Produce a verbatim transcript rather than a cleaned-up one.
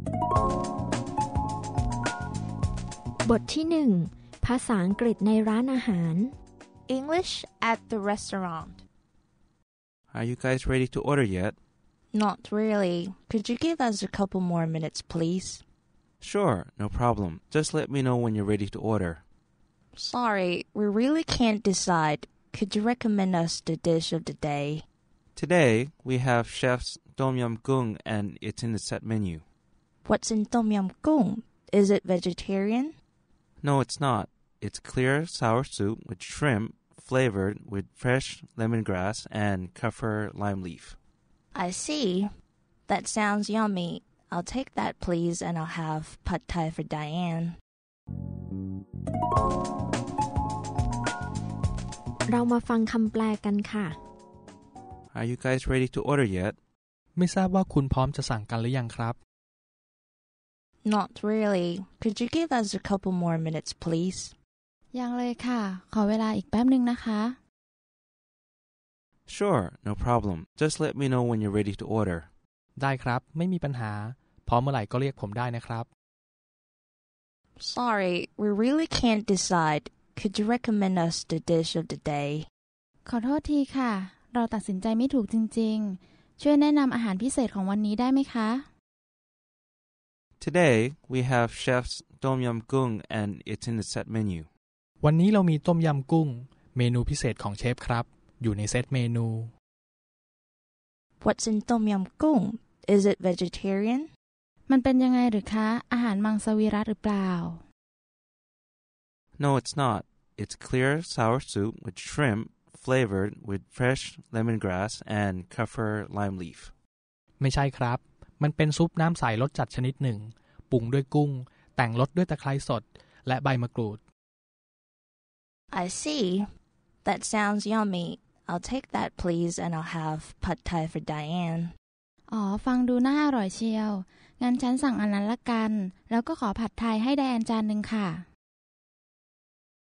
บทที่หนึ่งภาษาอังกฤษในร้านอาหาร English at the restaurant. Are you guys ready to order yet? Not really. Could you give us a couple more minutes, please? Sure, no problem. Just let me know when you're ready to order. Sorry, we really can't decide. Could you recommend us the dish of the day? Today, we have Chef's Tom Yum Goong and it's in the set menu. What's in Tom Yum Goong? Is it vegetarian? No, it's not. It's clear sour soup with shrimp flavored with fresh lemongrass and kaffir lime leaf. I see. That sounds yummy. I'll take that, please, and I'll have pad thai for Diane. เรามาฟังคำแปลกันค่ะ Are you guys ready to order yet? ไม่ทราบว่าคุณพร้อมจะสั่งกันหรือยังครับ Not really. Could you give us a couple more minutes, please? ยังเลยค่ะขอเวลาอีกแป๊บนึงนะคะ Sure, no problem. Just let me know when you're ready to order. ได้ครับไม่มีปัญหาพร้อมเมื่อไหร่ก็เรียกผมได้นะครับ Sorry, we really can't decide. Could you recommend us the dish of the day? ขอโทษทีค่ะเราตัดสินใจไม่ถูกจริงๆช่วยแนะนำอาหารพิเศษของวันนี้ได้ไหมคะ Today, we have Chef's Tom Yum Goong and it's in the set menu. วันนี้เรามีต้มยำกุ้งเมนูพิเศษของเชฟครับอยู่ในเซตเมนู What's in Tom Yum Goong? Is it vegetarian? มันเป็นยังไงหรือคะอาหารมังสวิรัติหรือเปล่า No, it's not. It's clear sour soup with shrimp flavored with fresh lemongrass and kaffir lime leaf. ไม่ใช่ครับมันเป็นซุปน้ำใสรสจัดชนิดหนึ่งปรุงด้วยกุ้งแต่งรสด้วยตะไคร้สดและใบมะกรูด I see. That sounds yummy. I'll take that, please, and I'll have pad thai for Diane. อ๋อฟังดูน่าอร่อยเชียวงั้นฉันสั่งอันนั้นละกันแล้วก็ขอผัดไทยให้ไดแอนจานนึงค่ะ